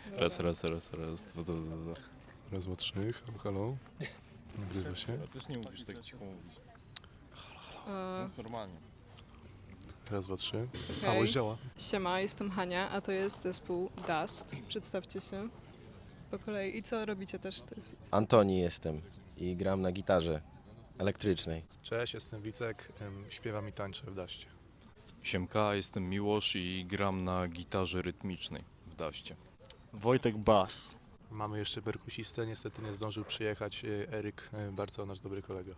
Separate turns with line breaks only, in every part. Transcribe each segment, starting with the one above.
Raz, dwa.
Raz, dwa, trzy, halo, halo. Nagrywa się.
Też nie musisz tak cicho mówić.
E,
Mów normalnie.
Raz, dwa, trzy.
Okej.
A, już działa.
Siema, jestem Hania, a to jest zespół Dust. Przedstawcie się po kolei. I co robicie też? To jest...
Antoni jestem i gram na gitarze elektrycznej.
Cześć, jestem Wicek, śpiewam i tańczę w Daście.
Siemka, jestem Miłosz i gram na gitarze rytmicznej w Daście.
Wojtek Bas.
Mamy jeszcze perkusistę, niestety nie zdążył przyjechać Eryk, bardzo nasz dobry kolega.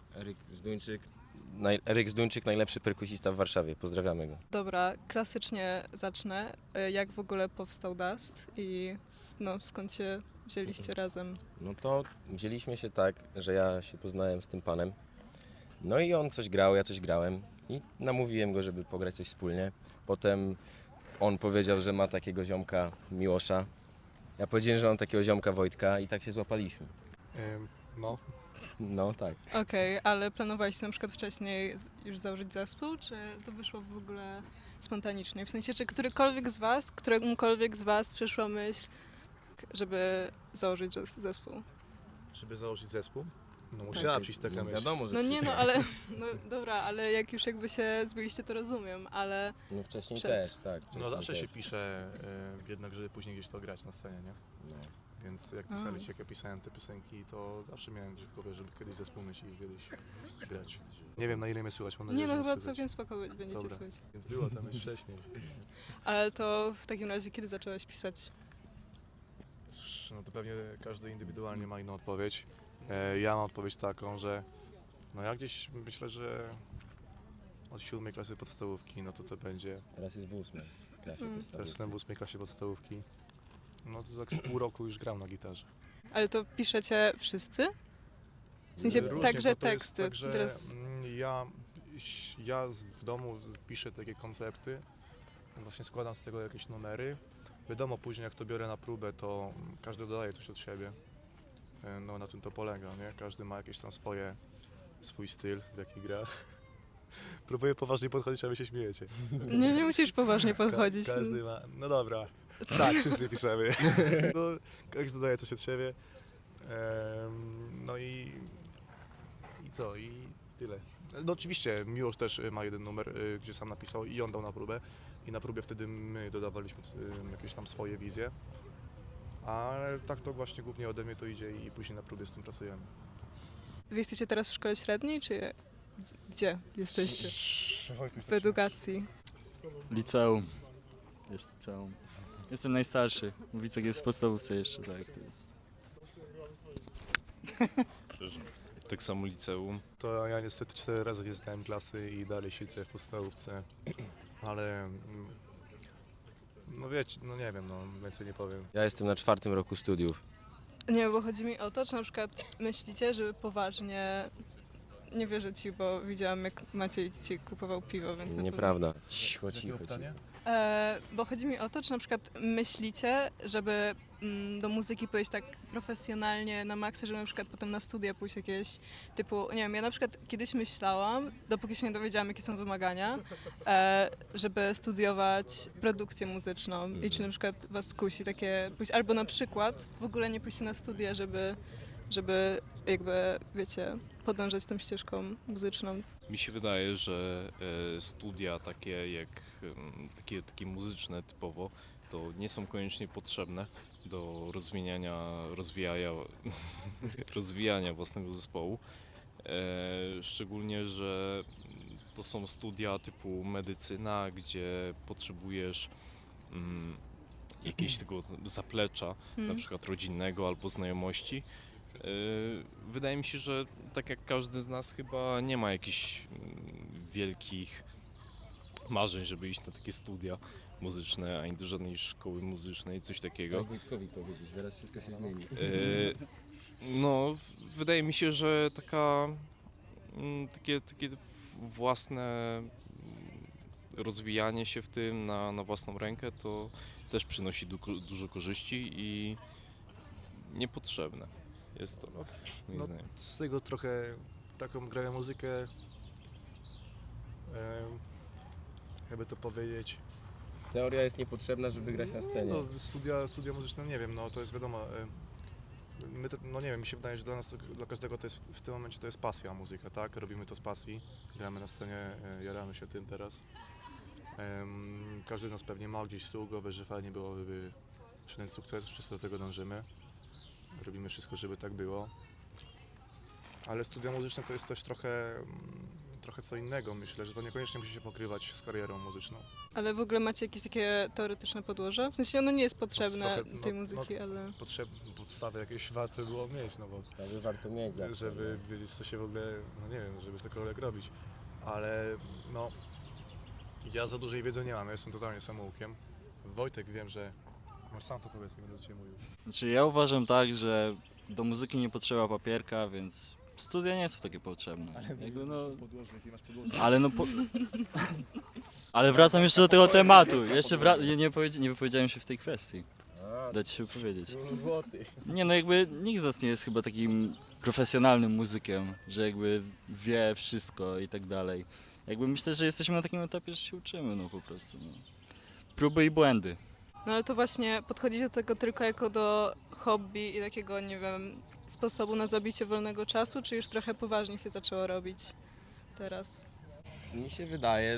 Eryk Zduńczyk, najlepszy perkusista w Warszawie. Pozdrawiamy go.
Dobra, klasycznie zacznę. Jak w ogóle powstał Dust i skąd się wzięliście razem?
No to wzięliśmy się tak, że ja się poznałem z tym panem. No i on coś grał, ja coś grałem i namówiłem go, żeby pograć coś wspólnie. Potem on powiedział, że ma takiego ziomka Miłosza. Ja powiedziałem, że mam takiego ziomka Wojtka i tak się złapaliśmy.
No,
No tak.
Okej, ale planowaliście na przykład wcześniej już założyć zespół, czy to wyszło w ogóle spontanicznie? W sensie, czy któremukolwiek z was przyszła myśl, żeby założyć zespół?
żeby założyć zespół, no musiała przyjść taka myśl.
Wiadomo, że
No nie,
przyszło.
ale, no dobra, ale jak już jakby się zbyliście, to rozumiem, ale
No wcześniej
przed.
też, tak.
No
wcześniej
zawsze się
też.
pisze jednak, żeby później gdzieś to grać na scenie, nie?
No.
Więc jak jak ja pisałem te piosenki, to zawsze miałem gdzieś w głowie, żeby kiedyś zespół mieć i kiedyś grać. Nie wiem, na ile mnie słychać, mam nadzieję,
Nie, no
że
chyba
słychać.
całkiem spoko będziecie
Dobra.
słyszeć.
Więc była ta myśl wcześniej.
Ale to w takim razie kiedy zacząłeś pisać?
No to pewnie każdy indywidualnie ma inną odpowiedź. Ja mam odpowiedź taką, że no ja gdzieś myślę, że od 7 klasy podstawówki, no to będzie,
Teraz jest w 8 klasie.
teraz jestem w 8 klasie podstawówki, no to tak z pół roku już gram na gitarze.
Ale to piszecie wszyscy? W sensie
Różnie,
także
bo to jest
teksty.
tak, że
Teraz...
w domu piszę takie koncepty, właśnie składam z tego jakieś numery. Wiadomo, później jak to biorę na próbę, to każdy dodaje coś od siebie. No na tym to polega, nie? Każdy ma jakieś tam swój styl, w jaki gra. Próbuję poważnie podchodzić, a wy się śmiejecie.
Nie musisz poważnie podchodzić.
Każdy ma, no dobra, tak, wszyscy piszemy. No, każdy dodaje coś od siebie. No i co? I tyle. No oczywiście Miłosz też ma jeden numer, gdzie sam napisał i on dał na próbę. I na próbie wtedy my dodawaliśmy jakieś tam swoje wizje. Ale tak to właśnie głównie ode mnie to idzie i później na próbie z tym pracujemy.
Wy jesteście teraz w szkole średniej, czy gdzie jesteście? W edukacji.
Liceum. Jest liceum. Jestem najstarszy. Wicek jest w podstawówce jeszcze, tak. To jest.
Przecież tak samo liceum.
To ja niestety 4 razy nie zdałem klasy i dalej siedzę w podstawówce. Ale no wiecie, no nie wiem, no więcej nie powiem.
Ja jestem na 4. roku studiów.
Nie, bo chodzi mi o to, czy na przykład myślicie, żeby poważnie... Nie wierzę ci, bo widziałam jak Maciej ci kupował piwo, więc...
Nieprawda. Cicho, cicho.
Bo chodzi mi o to, czy na przykład myślicie, żeby do muzyki podejść tak profesjonalnie na maksa, żeby na przykład potem na studia pójść jakieś typu, nie wiem, ja na przykład kiedyś myślałam, dopóki się nie dowiedziałam jakie są wymagania, żeby studiować produkcję muzyczną i czy na przykład was kusi takie pójść, albo na przykład w ogóle nie pójść na studia, żeby jakby, wiecie, podążać tą ścieżką muzyczną.
Mi się wydaje, że studia takie jak takie muzyczne typowo, to nie są koniecznie potrzebne do rozwijania własnego zespołu. Szczególnie, że to są studia typu medycyna, gdzie potrzebujesz jakiegoś tego zaplecza, na przykład rodzinnego albo znajomości. Wydaje mi się, że tak jak każdy z nas chyba nie ma jakichś wielkich marzeń, żeby iść na takie studia muzyczne, ani do żadnej szkoły muzycznej, coś takiego.
Wojtkowi powiedzieć, zaraz wszystko się zmieni.
No, wydaje mi się, że takie własne rozwijanie się w tym na własną rękę to też przynosi dużo korzyści i niepotrzebne jest to, moim
No,
zdaniem.
z tego trochę taką grają muzykę, jakby to powiedzieć,
Teoria jest niepotrzebna, żeby grać na scenie.
No, studia muzyczne, nie wiem, no to jest wiadomo. My to, no nie wiem, mi się wydaje, że dla nas, dla każdego to jest w tym momencie to jest pasja muzyka, tak? Robimy to z pasji, gramy na scenie, jaramy się tym teraz. Każdy z nas pewnie ma gdzieś z tyłu głowy, że fajnie byłoby osiągnąć sukces, wszyscy do tego dążymy. Robimy wszystko, żeby tak było. Ale studia muzyczne to jest też trochę co innego, myślę, że to niekoniecznie musi się pokrywać z karierą muzyczną.
Ale w ogóle macie jakieś takie teoretyczne podłoże? W sensie ono nie jest potrzebne
trochę,
tej
no,
muzyki, ale...
Podstawy jakieś warto było mieć, no bo
Podstawy warto mieć zawsze.
żeby wiedzieć, co się w ogóle, no nie wiem, żeby cokolwiek robić. Ale no, ja za dużej wiedzy nie mam, ja jestem totalnie samoukiem. Wojtek, wiem, że... Masz sam to powiedz, nie będę do Ciebie mówił.
Znaczy ja uważam tak, że do muzyki nie potrzeba papierka, więc studia nie są takie potrzebne. Jakby no,
Podłoże, jakie masz podłoże?
ale no ale wracam jeszcze do tego tematu. Jeszcze nie wypowiedziałem się w tej kwestii. Dać się powiedzieć. Nie no jakby nikt z nas nie jest chyba takim profesjonalnym muzykiem, że jakby wie wszystko i tak dalej. Jakby myślę, że jesteśmy na takim etapie, że się uczymy no po prostu. No. Próby i błędy.
No ale to właśnie podchodzicie do tego tylko jako do hobby i takiego, nie wiem, sposobu na zabicie wolnego czasu, czy już trochę poważnie się zaczęło robić teraz?
Mi się wydaje,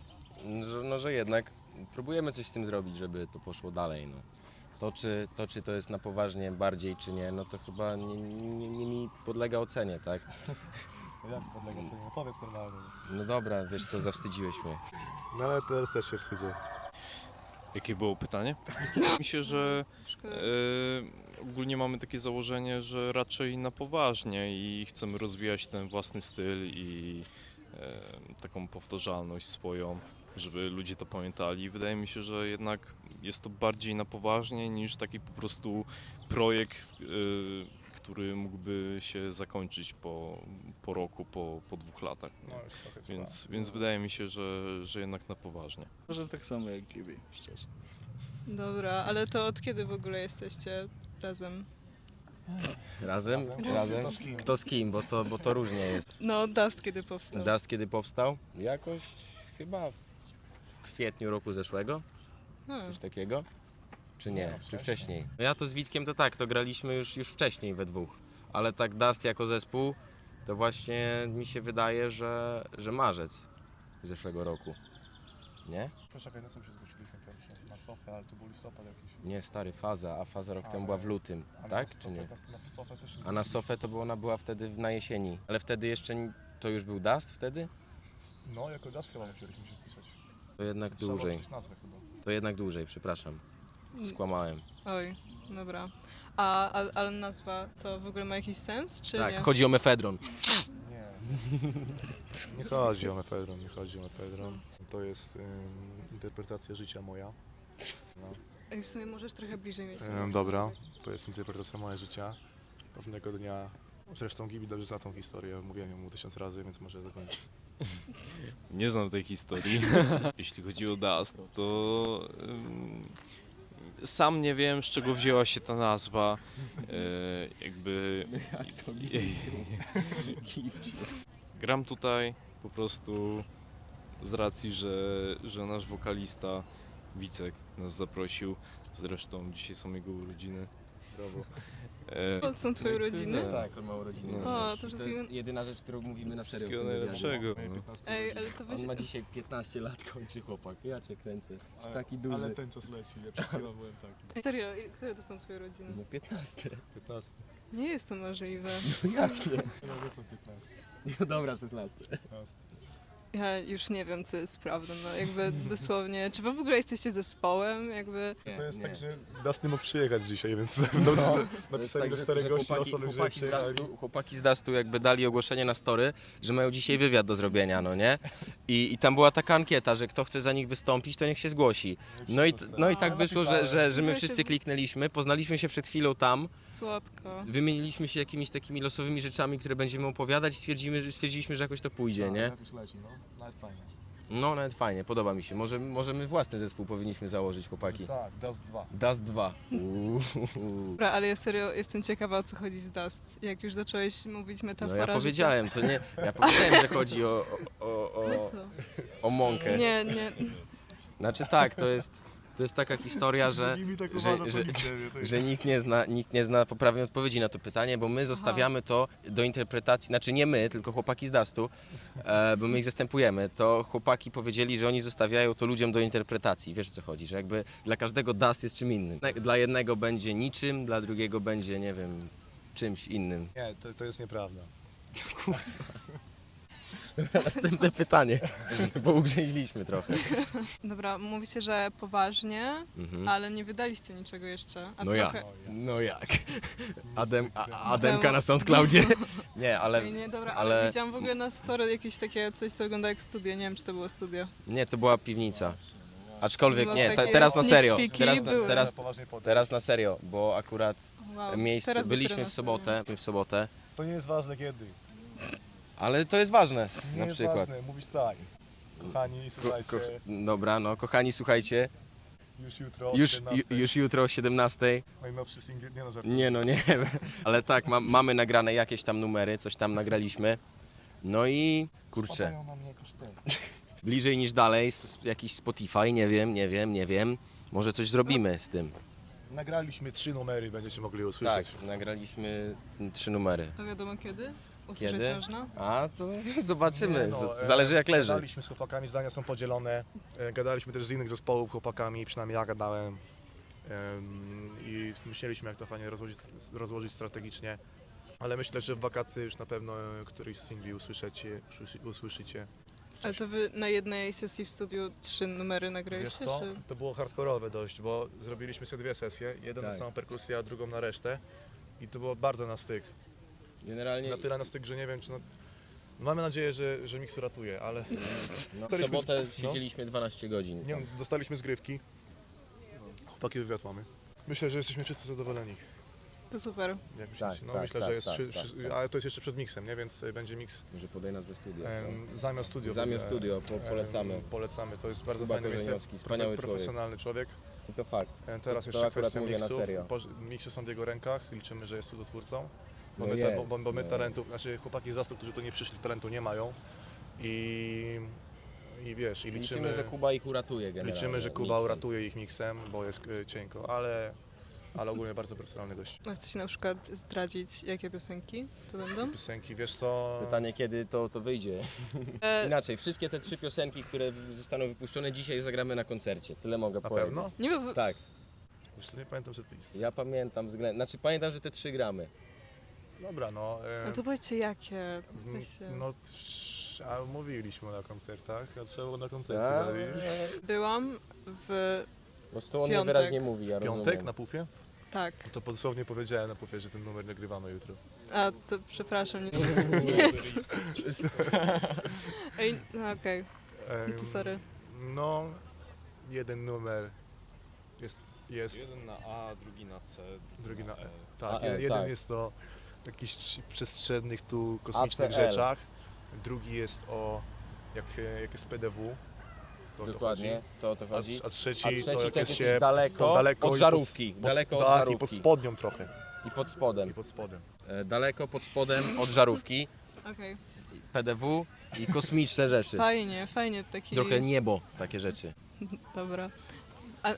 że jednak próbujemy coś z tym zrobić, żeby to poszło dalej. No. Czy to jest na poważnie bardziej, czy nie, no to chyba nie mi podlega ocenie, tak?
Jak podlega sobie? No powiedz normalnie.
No dobra, wiesz co, zawstydziłeś mnie.
No ale teraz też się wstydzę.
Jakie było pytanie? Myślę, że
Szkoda.
ogólnie mamy takie założenie, że raczej na poważnie i chcemy rozwijać ten własny styl i taką powtarzalność swoją, żeby ludzie to pamiętali. Wydaje mi się, że jednak jest to bardziej na poważnie niż taki po prostu projekt, który mógłby się zakończyć po roku, po 2 latach.
No już trochę trwa.
Więc wydaje mi się, że jednak na poważnie.
Może tak samo jak Gibi, szczerze.
Dobra, ale to od kiedy w ogóle jesteście razem?
Razem?
Kto z kim?
Kto z kim, bo to różnie jest.
No, Dust kiedy powstał.
Dust kiedy powstał? Jakoś chyba w kwietniu roku zeszłego,
A,
coś takiego. Czy nie? Czy wcześniej? No ja to z Wickiem to tak, to graliśmy już wcześniej we dwóch. Ale tak Dust jako zespół, to właśnie mi się wydaje, że marzec zeszłego roku. Nie?
Poczekaj, na co się zgłosiliśmy pierwsze? Na Sofę, ale to był listopad jakiś.
Nie, stary, Faza, a Faza rok temu
Ale-
była w lutym,
Ale
tak?
na
Czy nie?
Sofę- Na Sofę też się
A na Sofę to ona była wtedy na jesieni. Ale wtedy jeszcze to już był Dust wtedy?
No, jako Das chyba musieliśmy się wpisać.
To jednak
Trzeba było
dłużej.
coś nazwę chyba.
To jednak dłużej, przepraszam. Skłamałem.
oj, dobra. Ale nazwa to w ogóle ma jakiś sens, czy
Tak,
nie?
chodzi o mefedron.
Nie. Nie chodzi o mefedron, nie chodzi o mefedron. To jest interpretacja życia moja. No.
Ej, w sumie możesz trochę bliżej mieć.
Dobra, to jest interpretacja mojego życia. Pewnego dnia, zresztą Gibi dobrze zna tą historię, mówiłem ją mu 1000 razy, więc może dokończę.
Nie znam tej historii. Jeśli chodzi o Dust, to sam nie wiem, z czego wzięła się ta nazwa. Jakby
Jak to
gram tutaj po prostu z racji, że nasz wokalista Wicek nas zaprosił. Zresztą dzisiaj są jego urodziny. Brawo.
To są twoje urodziny?
Tak, on ma urodziny.
No.
O, to wszystkiego...
jedyna rzecz, którą mówimy na serio.
Wszystkiego najlepszego. No.
Ej, ale to weź...
On ma dzisiaj 15 lat, kończy chłopak. Ja cię kręcę. Jest taki
Ale
duży.
ten czas leci, ja przed chwilą byłem taki.
Serio, które to są twoje urodziny?
No 15.
15.
Nie jest to możliwe.
Jak nie?
No to są 15.
No dobra, 16.
15.
Ja już nie wiem, co jest prawdą, no jakby dosłownie. Czy wy w ogóle jesteście zespołem? Jakby...
To jest tak, że Das nie mógł przyjechać dzisiaj, więc napisali do 4 gości osoby, że przyjechali.
Chłopaki z Dustu jakby dali ogłoszenie na story, że mają dzisiaj wywiad do zrobienia, no nie? I tam była taka ankieta, że kto chce za nich wystąpić, to niech się zgłosi. No i tak
A,
wyszło, że my
Ja się
wszyscy kliknęliśmy, poznaliśmy się przed chwilą tam,
Słodko.
wymieniliśmy się jakimiś takimi losowymi rzeczami, które będziemy opowiadać i stwierdziliśmy, że jakoś to pójdzie, nie?
Jakoś leci, no. Nawet fajnie.
No nawet fajnie, podoba mi się. Może my własny zespół powinniśmy założyć, chłopaki.
Tak, Das 2.
Dust 2.
Dobra, ale ja serio jestem ciekawa, o co chodzi z Dust. Jak już zacząłeś mówić
No
metafora
ja
życia-
powiedziałem, to nie. Ja powiedziałem, że chodzi
No co?
o mąkę.
Nie, nie.
Znaczy tak, to jest. To jest taka historia, że,
Mi tak
że,
uważa,
że,
to nigdy nie wie,
że nikt nie zna poprawnej odpowiedzi na to pytanie, bo my zostawiamy to do interpretacji, znaczy nie my, tylko chłopaki z Dustu, bo my ich zastępujemy. To chłopaki powiedzieli, że oni zostawiają to ludziom do interpretacji. Wiesz o co chodzi, że jakby dla każdego Dust jest czym innym. Dla jednego będzie niczym, dla drugiego będzie, nie wiem, czymś innym.
Nie, to jest nieprawda.
Następne pytanie, bo ugrzęźliśmy trochę.
Dobra, mówicie, że poważnie,
Mhm.
ale nie wydaliście niczego jeszcze. A
No
trochę...
ja. No jak? Ademka na SoundCloudzie? Nie, ale
Ej, nie, dobra,
ale-
ale widziałam w ogóle na story jakieś takie coś, co wygląda jak studio. Nie wiem, czy to było studio.
nie, to była piwnica. Aczkolwiek
No,
nie,
takie
teraz na
sneak
serio.
peeki były.
Poważnie podejść.
Teraz na serio, bo akurat
Wow,
miejsce,
teraz
byliśmy
dopiero
w sobotę,
To nie jest ważne kiedy.
ale to jest ważne
Nie
na
jest
przykład.
ważne, mówisz tak. Kochani, słuchajcie,
Dobra, no kochani, słuchajcie,
już jutro,
już,
17,
już jutro o 17.
najnowszy singiel, nie no, żartuję.
Nie no, nie, ale tak, mamy nagrane jakieś tam numery, coś tam nagraliśmy. No i kurczę,
Spadają na mnie koszty.
bliżej niż dalej, jakiś Spotify, nie wiem, może coś zrobimy z tym.
Nagraliśmy 3 numery, będziecie mogli usłyszeć.
Tak, nagraliśmy 3 numery.
To wiadomo kiedy? Usłyszeć
Kiedy?
można?
A, to zobaczymy,
Nie no,
zależy jak leży.
Gadaliśmy z chłopakami, zdania są podzielone. Gadaliśmy też z innych zespołów chłopakami, przynajmniej ja gadałem. I myśleliśmy, jak to fajnie rozłożyć strategicznie. Ale myślę, że w wakacje już na pewno któryś z singli usłyszycie.
Ale to wy na jednej sesji w studiu 3 numery
Wiesz
nagraliście?
co?
Czy...
To było hardkorowe dość, bo zrobiliśmy sobie 2 sesje. Jedną
Tak.
na samą perkusję, a drugą na resztę. I to było bardzo na styk.
Generalnie
Na tyle na styk, że nie wiem, czy... Mamy nadzieję, że mix uratuje, ale
no, w
Staliśmy
sobotę
no.
siedzieliśmy 12 godzin.
nie wiem, dostaliśmy zgrywki. Chłopaki wywiad mamy. Myślę, że jesteśmy wszyscy zadowoleni.
To super.
Jak myślicie?
Tak,
No
tak,
myślę,
tak,
że jest...
tak,
ale to jest jeszcze przed miksem, nie? Więc będzie miks
Może podaj nazwę studia.
zamiast studio.
Zamiast studio, polecamy.
Polecamy, to jest bardzo
Kuba
fajny miejsce.
Korzeniowski, wspaniały
Profesjonalny człowiek.
I to fakt.
Teraz
To
jeszcze
akurat
kwestia
mówię na
miksów.
serio.
Miksy są w jego rękach, liczymy, że jest cudotwórcą. Bo
No
my,
jest,
bo my
no.
talentów, znaczy chłopaki z Zastu, którzy tu nie przyszli, talentu nie mają. I wiesz, i
Liczymy, że Kuba ich uratuje generalnie.
liczymy, że Kuba
miksem.
uratuje ich miksem, bo jest cienko, ale ogólnie bardzo profesjonalny gość.
A chcecie na przykład zdradzić, jakie piosenki to będą?
Piosenki, wiesz co?
Pytanie, kiedy to wyjdzie. Inaczej, wszystkie te 3 piosenki, które zostaną wypuszczone dzisiaj, zagramy na koncercie. Tyle mogę
Na
powiedzieć.
pewno?
Nie, bo
Tak,
Wiesz co, nie pamiętam setlist.
ja pamiętam znaczy pamiętam, że te 3 gramy.
Dobra, no.
no to powiedzcie jakie. W
w-
sensie...
no, a mówiliśmy na koncertach, a trzeba było na koncercie.
A,
no i-
Byłam w...
po prostu on
Piątek.
niewyraźnie mówi, ja
Piątek
rozumiem.
na pufie?
Tak.
No to dosłownie powiedziałem na pufie, że ten numer nagrywamy jutro.
A, to przepraszam. Nie... Ej, no okej. To sorry.
No, jeden numer jest
Jeden na A, drugi na C,
drugi na E.
E.
Tak,
A,
jeden
tak.
jest o jakichś przestrzennych tu kosmicznych
ACL.
rzeczach, drugi jest o jak jest PDW, to o to
Dokładnie,
chodzi.
to o to chodzi.
A trzeci,
A trzeci
to jak
to
jest
jest
się
daleko,
to daleko
od
i
żarówki. Daleko od
tak,
żarówki.
i pod spodnią trochę.
I pod spodem.
I pod spodem.
Daleko pod spodem od żarówki,
Okej.
PDW i kosmiczne rzeczy.
Fajnie, fajnie taki...
Trochę niebo, takie rzeczy.
Dobra. A,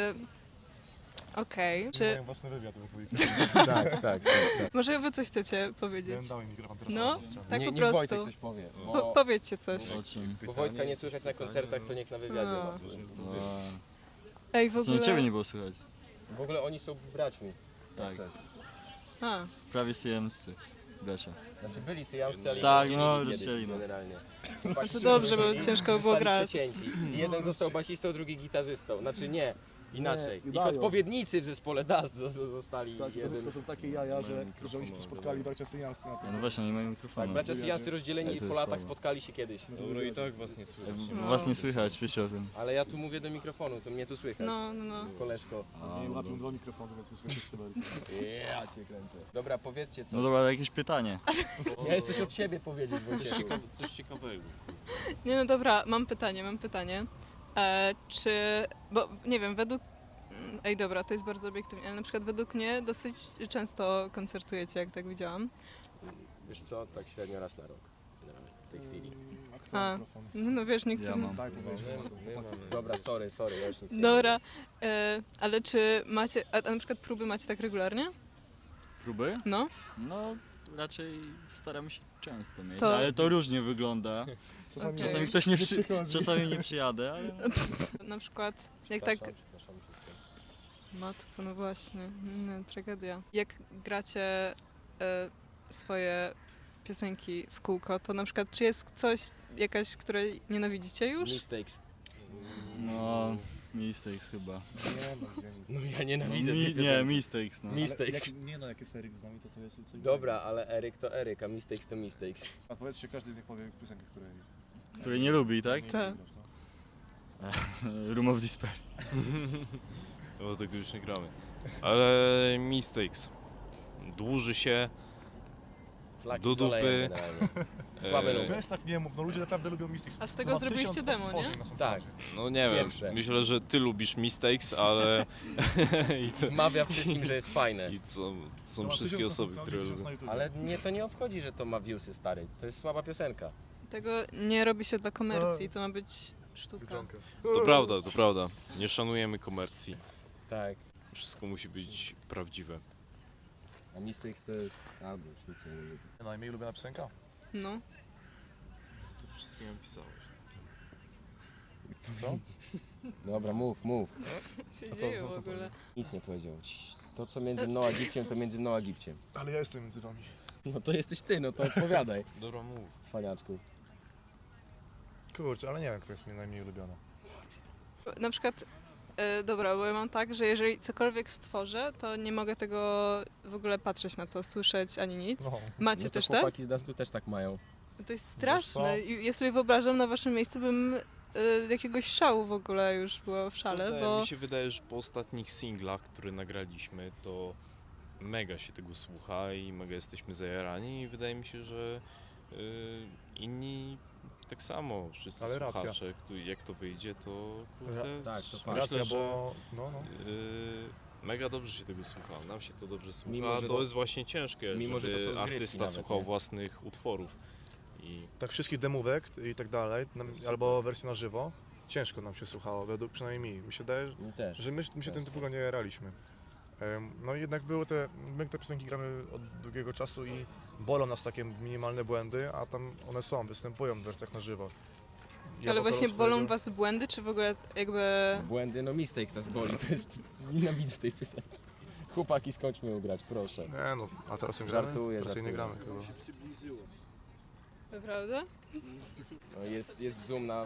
okej. Czy
Mają własny wywiad we dwójkę.
Tak, tak.
może wy coś chcecie powiedzieć?
Dałem mikrofon teraz
No.
na drugą stronę.
Tak po
niech
prostu.
Wojtek coś powie.
Powiedzcie coś.
O czym?
Bo Wojtka nie słychać na koncertach, to niech na wywiadzie
No.
nas.
No,
Ej, w
w
ogóle...
ciebie nie było słychać.
W ogóle oni są braćmi.
Tak.
A,
Prawie syjemscy. Bracia.
Znaczy byli syjamscy, ale
Tak,
ich
no,
rozdzielili
rozdzielili
kiedyś
nas.
generalnie.
to dobrze, bo ciężko było
Zostali
grać.
przecięci. I jeden został basistą, drugi gitarzystą. Znaczy nie, inaczej.
Nie,
Ich
dają.
odpowiednicy w zespole DAS zostali
Tak,
jeden.
to są takie jaja, że
mikrofonu,
oni się tu spotkali bracia syjamscy na
Ja, no właśnie, nie mają
Tak,
mikrofonu.
bracia syjamscy rozdzieleni
Ej, to
po
jest
latach
słabo.
spotkali się kiedyś.
Dobro i tak was nie słychać.
Was nie słychać, wiecie o tym.
Ale ja tu mówię do mikrofonu, to mnie tu słychać.
No, no, no.
Koleżko.
Nie mam dwa mikrofony, więc wysłuchaj jeszcze bardziej.
Ja cię kręcę. Dobra, powiedzcie co.
No dobra, ale jakieś pytanie.
Ja jest coś od siebie powiedzieć, Wojciechu.
Coś ciekawego.
Nie, no dobra, mam pytanie. Czy, bo nie wiem, według... Ej, dobra, to jest bardzo obiektywnie, ale na przykład według mnie dosyć często koncertujecie, jak tak widziałam.
Wiesz co, tak średnio raz na rok. w tej chwili.
A, no wiesz, niektórzy...
Ja mam.
Dobra, sorry, ja już nic nie
Dobra, ale czy macie, a na przykład próby macie tak regularnie?
Próby?
No?
No, raczej staramy się często mieć,
To-
ale to różnie wygląda.
Okej.
Czasami ktoś nie czasami nie przyjadę, ale...
Na przykład, jak tak... Matko, no właśnie, tragedia. Jak gracie swoje piosenki w kółko, to na przykład czy jest coś, jakaś, której nienawidzicie już?
Mistakes.
No, Mistakes chyba.
No ja
No,
nienawidzę tej
nie,
piosenki.
Mistakes, no.
Mistakes.
Nie no, jak jest Eryk z nami, to jest coś
Dobra, ale Eryk to Eryk, a mistakes to mistakes.
A powiedzcie, każdy niech powie piosenkę, której
Której nie lubi, tak?
nie
Tak.
lubisz, no.
Room of Despair.
Bo tego już nie gramy. Ale Mistakes. Dłuży się.
Flaki
Do
z olejem
dupy.
generalnie. Słabe
E,
numer.
Weź tak nie mów, no ludzie naprawdę lubią Mystics.
A z tego
No,
zrobiliście
1000
demo, nie?
odtworzeń na
Tak.
SoundCloudzie.
No nie wiem,
Pierwsze.
myślę, że ty lubisz Mistakes, ale
Wmawia wszystkim, że jest fajne.
i są
No,
wszystkie
1000
osoby,
na
które
SoundCloudzie,
lubią.
1000 na YouTubie.
Ale mnie to nie obchodzi, że to ma viewsy, stary. To jest słaba piosenka.
Tego nie robi się dla komercji, to ma być sztuka.
Biedronka.
To prawda. Nie szanujemy komercji.
Tak.
Wszystko musi być prawdziwe.
A mistakes to jest... Albo już nic nie lubię.
Najmniej ulubiona piosenka?
No.
To wszystko napisałeś.
Co?
Dobra, mów.
Się
A co-
dzieje
co-
w
co
ogóle.
Nic nie powiedział. To co między mną a Gipciem, to między mną a Gipciem.
Ale ja jestem między wami.
No to jesteś ty, no to odpowiadaj.
Dobra, mów.
Cwaniaczku.
Kurczę, ale nie wiem, która jest mi najmniej ulubiona.
Na przykład, dobra, bo ja mam tak, że jeżeli cokolwiek stworzę, to nie mogę tego w ogóle patrzeć na to, słyszeć ani nic.
No.
Macie
No to
też tak?
chłopaki z Dustu też tak mają.
To jest
co?
straszne. I ja sobie wyobrażam, na waszym miejscu bym jakiegoś szału w ogóle już była w szale,
Wydaje,
bo
mi się wydaje, że po ostatnich singlach, które nagraliśmy, to mega się tego słucha i mega jesteśmy zajarani i wydaje mi się, że inni tak samo, wszyscy
Ale racja.
słuchacze, jak to wyjdzie, to kurde,
tak, to fakt.
myślę,
Racja,
że
bo... No.
mega dobrze się tego słucha, nam się to dobrze słucha,
Mimo, że
to
to-
jest właśnie ciężkie,
mimo, że to
żeby
są zgrywki
artysta
nawet,
słuchał
nie?
własnych utworów i
Tak wszystkich demówek i tak dalej, albo wersji na żywo, ciężko nam się słuchało, według przynajmniej mi. Mi się wydaje,
Mi też.
że my się tym w ogóle nie jaraliśmy. No i jednak były my te piosenki gramy od długiego czasu i bolą nas takie minimalne błędy, a tam one występują w wersjach na żywo. Ja
ale
wokalu
właśnie bolą
swojego-
was błędy, czy w ogóle jakby...
Błędy, no mistakes nas boli, to jest... Nienawidzę tej piosenki. Chłopaki, skończmy ją grać, proszę.
Nie no, a teraz nie gramy?
Żartuję,
Teraz jej nie gramy
żartuję.
chyba.
Naprawdę?
No jest zoom na...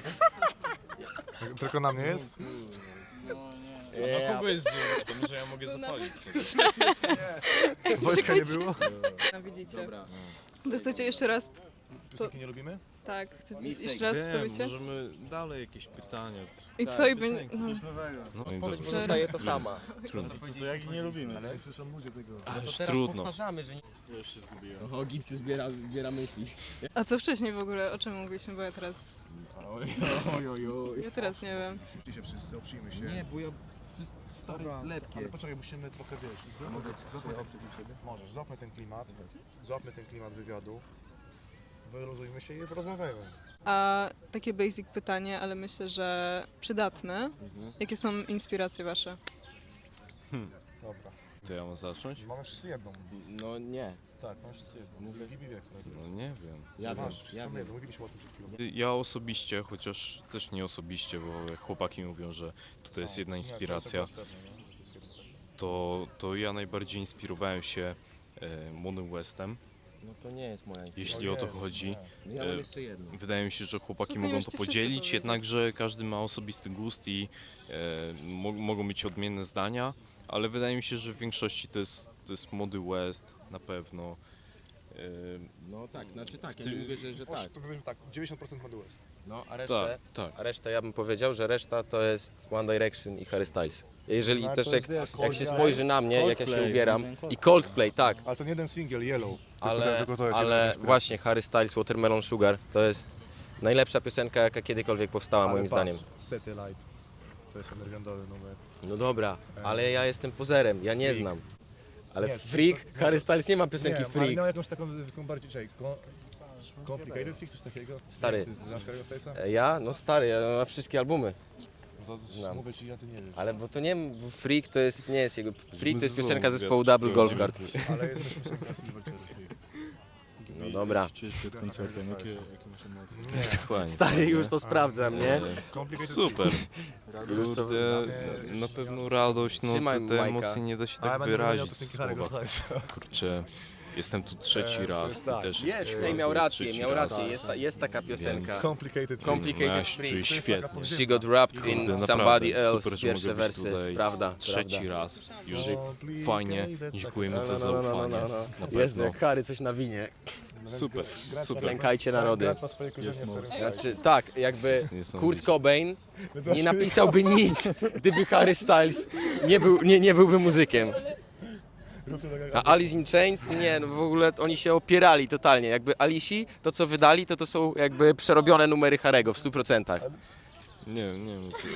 Tylko na mnie jest?
A na kogo jest zoom? To może ja mogę
To
zapalić
nawet-
sobie.
Wojtka nie było?
No widzicie.
Dobra.
To chcecie jeszcze raz,
Piosenki nie lubimy?
tak, chcecie
Mistake.
jeszcze raz
Wiem,
powiecie?
możemy dalej jakieś pytania.
I
tak,
co, i będzie...
piosenki.
No.
No i
Odpowiedź
dobrze.
pozostaje ta sama.
Trudno.
To jak nie lubimy,
Ale
tak?
słyszą ludzie tego.
A
To
już
teraz
trudno.
powtarzamy, że nie...
Już się zgubiłem.
O, Gipciu zbiera myśli.
A co wcześniej w ogóle, o czym mówiliśmy, bo ja teraz...
Oj.
Ja teraz nie wiem.
Szybciej się wszyscy, oprzyjmy się.
Nie, bo ja... To jest stare, lepkie.
Ale poczekaj, musimy trochę, wiesz, możesz, złapmy ten klimat wywiadu, wyluzujmy się i porozmawiajmy.
A takie basic pytanie, ale myślę, że przydatne.
Mhm.
Jakie są inspiracje wasze?
Dobra.
To ja mam zacząć?
Mamy wszyscy jedną.
No nie.
Tak, mamy wszyscy jedną.
Mówę.
Gibi wie, która to
No
jest.
nie wiem.
Ja wiem,
Masz, wszyscy
ja
mamy
wiem.
jedną, mówiliśmy o tym przed chwilą.
Ja osobiście, chociaż też nie osobiście, bo jak chłopaki mówią, że tutaj jest jedna
Nie, to
inspiracja,
jest pewne, nie? Że to jest jedna taka.
to ja najbardziej inspirowałem się Monym Westem,
No to nie jest moja inspiracja.
jeśli o to chodzi.
No ja mam jeszcze jedną.
Wydaje mi się, że chłopaki
Słuchaj,
mogą
już
to
ci wszyscy
podzielić,
powiedzieli.
jednakże każdy ma osobisty gust i mogą mieć odmienne zdania, ale wydaje mi się, że w większości to jest Mody West na pewno.
No tak, znaczy tak, ja
Ty-
nie mówię, że tak.
To powiedzmy tak, 90% Mody West.
No, a resztę,
Tak.
a resztę ja bym powiedział, że reszta to jest One Direction i Harry Styles. Jeżeli
No,
też
to jest, wiesz,
jak się
Coldplay.
spojrzy na mnie, jak ja się
Coldplay,
ubieram
piosenka
i Coldplay, tak,
Ale to nie jeden single, Yellow.
ale,
tylko to jest jedna
ale
inspiracja.
właśnie Harry Styles, Watermelon Sugar to jest najlepsza piosenka, jaka kiedykolwiek powstała
Ale
moim
patrz,
zdaniem.
Satellite. To jest undergroundowy numer.
No dobra, ale ja jestem pozerem, ja nie
Freak.
znam. Ale
Nie,
Freak,
to-
Harry Styles nie ma piosenki
Nie, ale
Freak.
miał jakąś taką bardziej... Complicated Freak, coś takiego?
Stary.
Ty znasz Harry'ego Stylesa?
Ja? No stary, ja mam wszystkie albumy.
To mówię ci, a ty nie wiesz.
Ale bo to nie, bo Freak to jest, nie jest jego, Freak to jest
Znowu
piosenka zespołu
wiatr,
Double Golf Guard.
Ale jest też piosenka Silverchair.
No dobra.
Jak się czujesz przed koncertem? Jakie masz emocje?
Fajnie.
Stary, już to sprawdzam, nie?
Complicated
Super.
Już to...
Kurde, na pewno radość, no
Trzymaj
te
Majka.
emocje nie da się
Ale
tak
będę wymieniał
wyrazić w
piosenki Harry'ego
słowach.
Stylesa.
Kurczę, jestem tu trzeci
to
raz,
jest
ty
tak.
też
Jest,
jesteś
no i miał
tu
rację,
trzeci
miał
raz.
rację, jest taka piosenka.
Complicated Freak.
Complicated
No, ja się
Freak.
czuję świetnie.
She got wrapped in
Kurde,
somebody
naprawdę,
else,
super, że
pierwsze
mogę być
wersy,
tutaj
prawda,
Trzeci
prawda.
raz. Już
Complicated,
fajnie,
that's
dziękujemy
taka-
za zaufanie. Na
Jezu,
pewno.
jak Harry coś nawinie.
Super, super.
Lękajcie narody.
Brat ma swoje korzenie w Harry'ego Stylesa.
Znaczy, tak, jakby
jest niesamowite.
Kurt Cobain nie napisałby nic, gdyby Harry Styles nie byłby muzykiem. A Alice in Chains? Nie, no w ogóle oni się opierali totalnie. Jakby Alisi, to co wydali, to są jakby przerobione numery Harry'ego w 100%.
Nie wiem, co...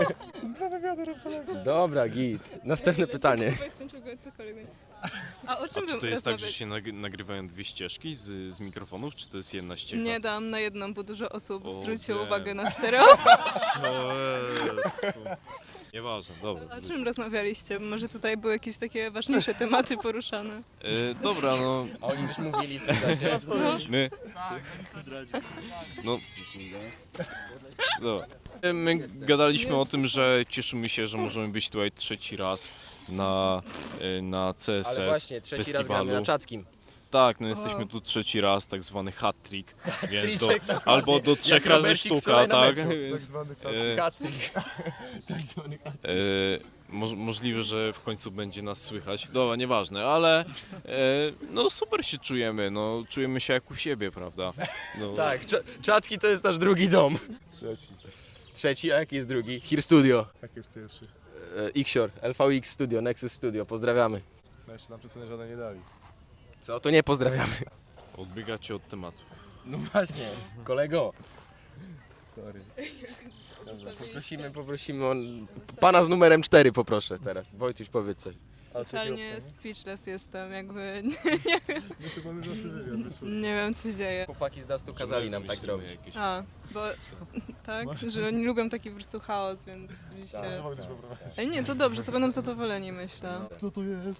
Dobra, git. Następne pytanie.
A o czym bym
To jest tak, że
rozmawiać?
się nagrywają dwie ścieżki z mikrofonów, czy to jest jedna ścieżka?
Nie dam na jedną, bo dużo osób
O,
zwróciło
wiem.
uwagę na stereo.
O Jezu. Nieważne, dobra.
O czym rozmawialiście? Może tutaj były jakieś takie ważniejsze tematy poruszane?
Dobra, no
A oni coś mówili w tym czasie.
my... No... Dobra. My gadaliśmy o tym, że cieszymy się, że możemy być tutaj trzeci raz na CSS
Ale właśnie, trzeci raz
festiwalu.
gramy na Czackim.
Tak, no jesteśmy tu trzeci raz, tak zwany hat-trick, więc
Hat-trick,
do 3 razy
Robercik
sztuka,
wczoraj na
tak?
meczu.
Tak
Więc,
zwany
Hat-trick.
możliwe, że w końcu będzie nas słychać. Dobra, nieważne, ale no super się czujemy, no czujemy się jak u siebie, prawda? No,
Tak, Czacki to jest nasz drugi dom.
Trzeci.
Trzeci, a jaki jest drugi? Here Studio.
Jak jest pierwszy?
Ixior, LVX Studio, Nexus Studio, pozdrawiamy.
No jeszcze nam przesunę żadne nie dali.
Co, to nie pozdrawiamy.
odbiegacie od tematu.
No właśnie, kolego.
Sorry.
Poprosimy pana z numerem 4 poproszę teraz. Wojtuś, powiedz coś.
Totalnie speechless jestem, jakby
No to mamy zawsze wywiad, wyszło.
nie wiem co się dzieje.
Chłopaki z Dastu kazali nam tak
Wymyślimy
zrobić.
jakieś-
A, bo tak, że oni lubią taki po prostu chaos, więc
Może
oczywiście...
Wojtek poprowadzić.
Ale nie, to dobrze, to będą zadowoleni, myślę.
Co to jest?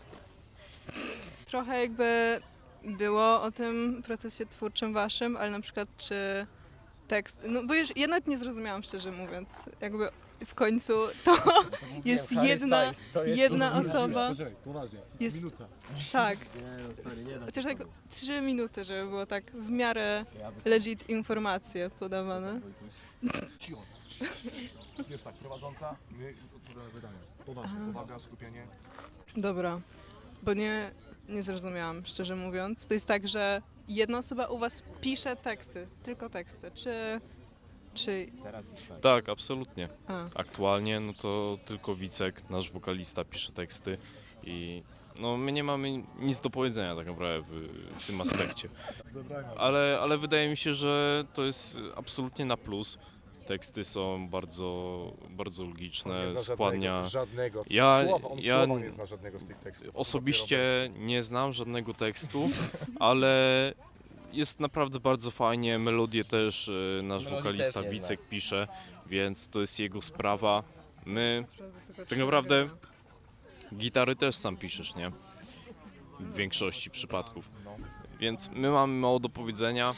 Trochę jakby było o tym procesie twórczym waszym, ale na przykład czy tekst... No bo już ja nawet nie zrozumiałam, szczerze mówiąc, jakby w końcu to jest jedna osoba.
Poczekaj, poważnie.
Jest-
Minuta.
Tak. Chociaż tak 3 minuty, żeby było tak w miarę legit informacje podawane.
Cicho. Jest tak, prowadząca, my odpowiadamy pytania. Poważnie, powaga, skupienie.
Dobra, bo nie zrozumiałam, szczerze mówiąc. To jest tak, że jedna osoba u was pisze teksty, tylko teksty, czy...
Tak, absolutnie.
A,
Aktualnie no to tylko Wicek, nasz wokalista, pisze teksty i no my nie mamy nic do powiedzenia tak naprawdę w tym aspekcie.
Zabrania.
Ale wydaje mi się, że to jest absolutnie na plus. Teksty są bardzo logiczne, składnia.
Żadnego.
Ja-
Słowa, on
ja-
słowa nie zna żadnego z tych tekstów.
Osobiście nie znam żadnego tekstu, ale jest naprawdę bardzo fajnie. Melodię też nasz
Melodii
wokalista
też nie
Wicek pisze, więc to jest jego sprawa. My tak naprawdę gitary też sam piszesz, nie? W większości przypadków. Więc my mamy mało do powiedzenia.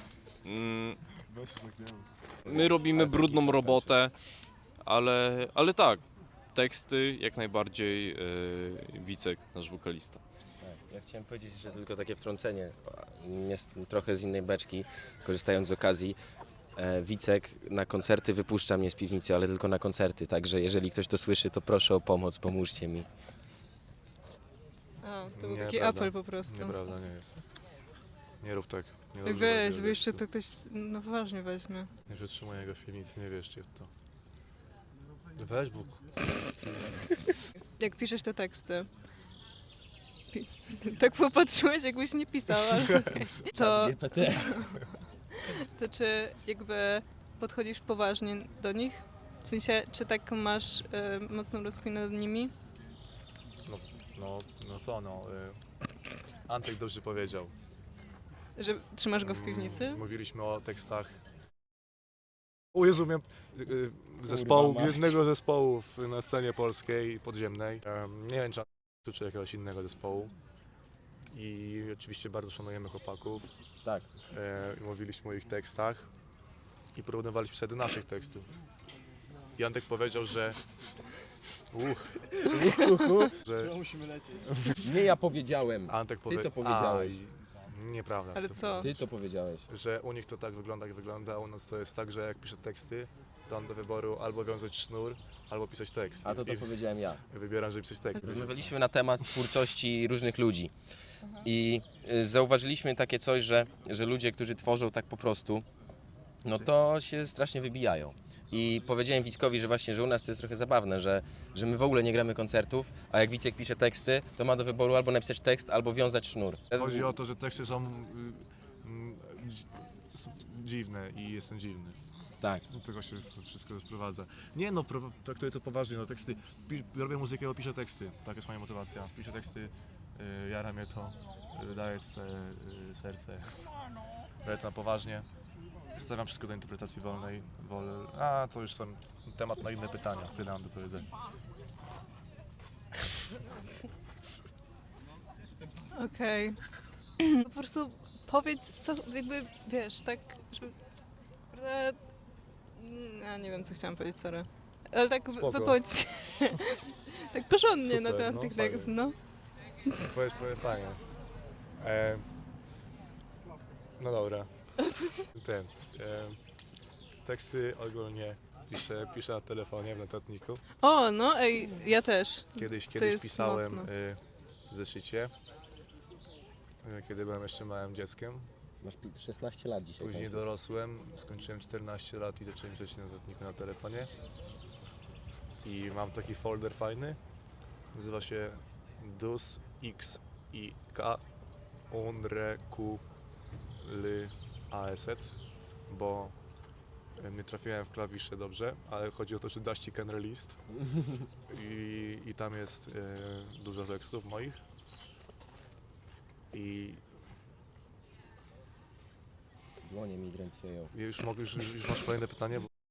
Weź się zaklejemy.
My robimy brudną robotę, ale tak, teksty jak najbardziej Wicek, nasz wokalista.
Ja chciałem powiedzieć, że tylko takie wtrącenie, trochę z innej beczki, korzystając z okazji. Wicek na koncerty wypuszcza mnie z piwnicy, ale tylko na koncerty, także jeżeli ktoś to słyszy, to proszę o pomoc, pomóżcie mi.
a to był taki
Nieprawda.
apel po prostu.
Nieprawda, nie jest. Nie rób tak. Nie
Ej,
dobrze
weź,
będzie,
bo jeszcze
wiesz,
to ktoś no poważnie weźmie.
Nie przetrzymuj jego w piwnicy, nie wierzcie w to. Weź Bóg.
Jak piszesz te teksty. Tak popatrzyłeś, jakbyś nie pisał, ale okej. To czy jakby podchodzisz poważnie do nich? W sensie, czy tak masz mocną rozkminę nad nimi?
No co no. Antek dobrze powiedział.
Że trzymasz go w piwnicy?
Mówiliśmy o tekstach. O Jezu, miałem zespołu,
mać.
jednego zespołu na scenie polskiej, podziemnej. Nie wiem, czy jakiegoś innego zespołu. I oczywiście bardzo szanujemy chłopaków.
Tak.
I mówiliśmy o ich tekstach i porównywaliśmy sobie do naszych tekstów. I Antek powiedział, że... że
Nie ja powiedziałem.
Antek
to powiedziałeś.
Nieprawda.
Ale co?
Ty to powiedziałeś.
Że u nich to tak wygląda, jak wygląda, a u nas to jest tak, że jak piszę teksty, to mam do wyboru albo wiązać sznur, albo pisać tekst.
A to
I
powiedziałem ja.
wybieram, żeby pisać tekst.
Rozmawialiśmy na temat twórczości różnych ludzi i zauważyliśmy takie coś, że ludzie, którzy tworzą tak po prostu, no to się strasznie wybijają. I powiedziałem Wickowi, że właśnie, że u nas to jest trochę zabawne, że my w ogóle nie gramy koncertów, a jak Wicek pisze teksty, to ma do wyboru albo napisać tekst, albo wiązać sznur.
Chodzi o to, że teksty są dziwne i jestem dziwny.
Tak.
Do tego się wszystko sprowadza. Nie no, traktuję to poważnie, no teksty, robię muzykę, bo piszę teksty, tak jest moja motywacja. Piszę teksty, jara mnie to, daję serce, robię to na poważnie. Stawiam wszystko do interpretacji wolnej, a to już sam temat na inne pytania, tyle mam do powiedzenia.
Okej. Po prostu powiedz co, jakby, wiesz, tak, żeby... Ja nie wiem, co chciałam powiedzieć, sorry. Ale tak
Spoko.
wypowiedź tak porządnie na
Super,
temat
no,
tych
fajnie.
tekstów, no.
Powiedz fajnie. No dobra. Teksty ogólnie piszę na telefonie, w notatniku.
O, no, ej, ja też.
Kiedyś
jest
pisałem
mocno.
w zeszycie, kiedy byłem jeszcze małym dzieckiem.
Masz 16 lat dzisiaj.
Później
kończysz.
dorosłem, skończyłem 14 lat i zacząłem pisać na notatniku na telefonie. I mam taki folder fajny, nazywa się Dus X I K Unre Q L A S Et, bo nie trafiłem w klawisze dobrze, ale chodzi o to, że Daści Can Released i tam jest dużo tekstów moich i
Dłonie mi drętwieją.
już masz kolejne pytanie? Bo